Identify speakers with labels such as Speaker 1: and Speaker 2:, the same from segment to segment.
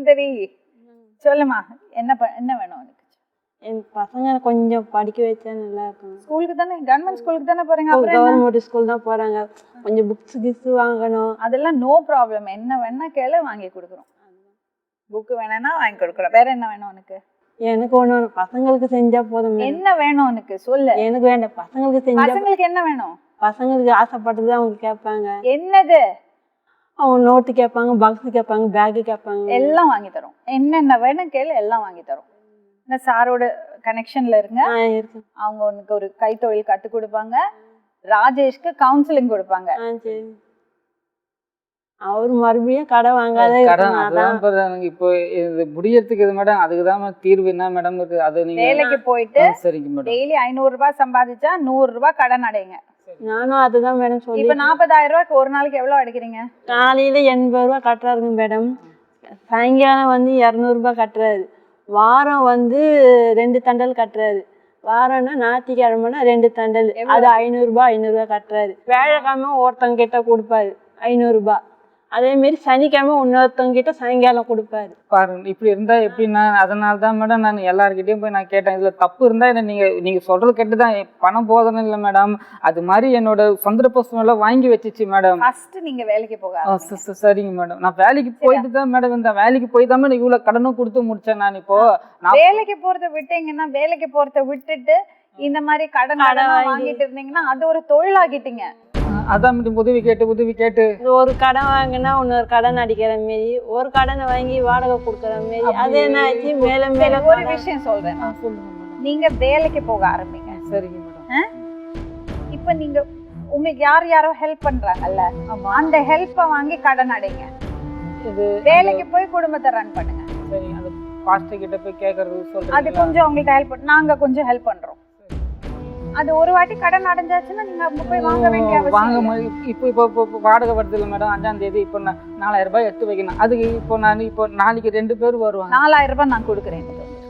Speaker 1: சுந்தரி சொல்லுமா, என்ன வேணும் உனக்கு?
Speaker 2: என் பசங்க கொஞ்சம் படிக்க வச்சா நல்லா இருக்கும்.
Speaker 1: ஸ்கூலுக்கு தானே, கவர்மெண்ட் ஸ்கூலுக்கு தானே போறீங்க? அப்புறம்
Speaker 2: கவர்மெண்ட் ஸ்கூல் தான் போறாங்க. கொஞ்சம் புக்ஸ் கிக்ஸ் வாங்கணும்.
Speaker 1: அதெல்லாம் நோ ப்ராப்ளம். என்ன வேணா கேளு, வாங்கி கொடுக்குறோம். புக்கு வேணும்னா வாங்கி கொடுக்குறோம். வேற என்ன வேணும் உனக்கு?
Speaker 2: எனக்கு ஒண்ணு பசங்களுக்கு செஞ்சா போதும்.
Speaker 1: என்ன வேணும் உனக்கு சொல்லு.
Speaker 2: எனக்கு வேண்டாம், பசங்களுக்கு செஞ்சா.
Speaker 1: பசங்களுக்கு என்ன வேணும்?
Speaker 2: பசங்களுக்கு ஆசைப்பட்டது அவங்க கேட்பாங்க.
Speaker 1: என்னது?
Speaker 2: அவங்க நோட்டு கேட்பாங்க, பாக்ஸ் கேட்பாங்க, பேக் கேட்பாங்க.
Speaker 1: எல்லாம் வாங்கி தரோம். என்னென்ன வேணும் கேளு, எல்லாம் வாங்கி தரோம். இந்த சாரோட கனெக்ஷன்ல இருங்க. அவங்க உனக்கு ஒரு கைத்தொழில் கத்து கொடுப்பாங்க. ராஜேஷ்க்கு கவுன்சிலிங் கொடுப்பாங்க.
Speaker 2: சரி. அவர் மறுபடியும் கடை வாங்காத
Speaker 3: இப்போ இது முடியறதுக்கு இது மேடம், அதுக்குதான் தீர்வு என்ன மேடம் இருக்கு? அது நீங்க
Speaker 1: வேலைக்கு போயிட்டு
Speaker 3: சரிங்க மேடம்,
Speaker 1: டெய்லி 500 ரூபாய் சம்பாதிச்சா 100 ரூபாய் கடன் அடைங்க.
Speaker 2: நானும் அதுதான் மேடம் சொல்லி.
Speaker 1: இப்ப 40,000 ரூபாய்க்கு ஒரு நாளைக்கு எவ்வளவு அடைக்கிறீங்க?
Speaker 2: காலையில 80 ரூபாய் கட்டுறாருங்க மேடம். சாயங்காலம் 200 ரூபாய் கட்டுறாரு. வாரம் 2 தண்டல் கட்டுறாரு. வாரம்னா ஞாயிற்றுக்கிழமைனா 2 தண்டல். அது 500 ரூபாய் கட்டுறாரு. வேலைக்கிழமை ஒருத்தங்க கிட்ட கொடுப்பாரு 500 ரூபாய். அதே மாதிரி சனிக்கிழமை இன்னொருத்தவங்க கிட்ட சாயங்காலம் கொடுப்பாரு.
Speaker 3: பாருங்க இப்படி இருந்தா எப்படின்னா, அதனால தான் மேடம் நான் எல்லார்கிட்டையும் போய் நான் கேட்டேன். இதுல தப்பு இருந்தா என்ன நீங்க சொல்றது கேட்டுதான், பணம் போதணும் இல்லை மேடம். அது மாதிரி என்னோட சந்தர்ப்ப சூழ்நிலை வாங்கி வச்சிச்சு மேடம்.
Speaker 1: ஃபர்ஸ்ட் நீங்க வேலைக்கு போக.
Speaker 3: சரிங்க மேடம், நான் வேலைக்கு போயிட்டு தான் மேடம் இந்த வேலைக்கு போய் தான் மேடம் இவ்வளவு கடனும் கொடுத்து முடிச்சேன். நான் இப்போ
Speaker 1: வேலைக்கு போறத விட்டீங்கன்னா, வேலைக்கு போறத விட்டுட்டு இந்த மாதிரி கடன் வாங்கிட்டு இருந்தீங்கன்னா அது ஒரு தொழிலாகிட்டீங்க.
Speaker 3: அதான் உதவி கேட்டு
Speaker 2: ஒரு கடன் வாங்கினா இன்னொரு கடன் அடிக்கிற மாரி, ஒரு கடனை வாங்கி வாடகை கொடுக்குற மாரி. அது என்ன ஆச்சு, மேல மேல.
Speaker 1: ஒரு விஷயம் சொல்றேன், நீங்க வேலைக்கு போக ஆரம்பிங்க.
Speaker 3: சரிங்க மேடம்.
Speaker 1: இப்ப நீங்க உங்களுக்கு யாரோ ஹெல்ப் பண்றாங்கல்ல, அந்த ஹெல்ப்பை வாங்கி கடன் அடைங்க. வேலைக்கு போய் குடும்பத்தை ரன் பண்ணுங்க.
Speaker 3: சரி, அந்த பாஸ்டர் கிட்ட போய் கேக்குறது சொல்றேன்.
Speaker 1: அது கொஞ்சம் உங்களுக்கு ஹெல்ப், நாங்க கொஞ்சம் ஹெல்ப் பண்றோம். அது ஒரு வாட்டி கடன் அடைஞ்சாச்சுன்னா நீங்க அங்க போய் வாங்க வேண்டிய அவசியம் இல்லை.
Speaker 3: இப்போ வாடகை வருது இல்லை மேடம், 5ஆம் தேதி. இப்போ நான் 4000 ரூபாய் எடுத்து வைக்கணும். அதுக்கு இப்போ நாளைக்கு 2 பேர் வருவாங்க.
Speaker 1: 4000 ரூபாய் நான் கொடுக்குறேன்.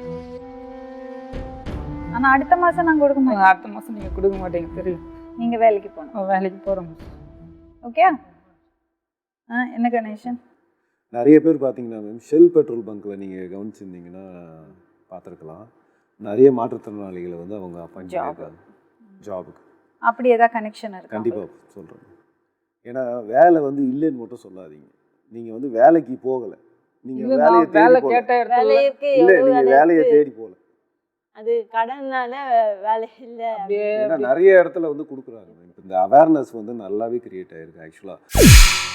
Speaker 1: ஆனா அடுத்த மாசம் நான் கொடுக்க மாட்டேன்.
Speaker 3: அடுத்த மாசம் நீங்க கொடுக்க மாட்டீங்க, தெரியும்.
Speaker 1: நீங்க வேலைக்கு போகணும்.
Speaker 3: வேலைக்கு போறோம்.
Speaker 1: ஓகே. என்ன கணேஷன்?
Speaker 4: நிறைய பேர் பார்த்தீங்கன்னா மேம், ஷெல் பெட்ரோல் பங்க்கில் நீங்கள் கவனிச்சிருந்தீங்கன்னா பார்த்துருக்கலாம், நிறைய மாற்றுத்திறனாளிகளை அவங்க அப்பாயிண்ட் பண்ணியிருக்காங்க ஜாபுக்கு.
Speaker 1: அப்படி ஏதாவது கனெக்ஷன் இருக்கு?
Speaker 4: கண்டிப்பாக சொல்கிறேன். ஏன்னா வேலை இல்லைன்னு மட்டும் சொல்லாதீங்க. நீங்கள் வேலைக்கு போகலை, நீங்கள் வேலையை தேடி போகல. இல்லை, நீங்கள் வேலையை தேடி போகல,
Speaker 2: அது கடனால வேலை இல்லை.
Speaker 4: ஏன்னா நிறைய இடத்துல கொடுக்குறாங்க. இந்த அவேர்னஸ் நல்லாவே கிரியேட் ஆகிருக்கு ஆக்சுவலாக.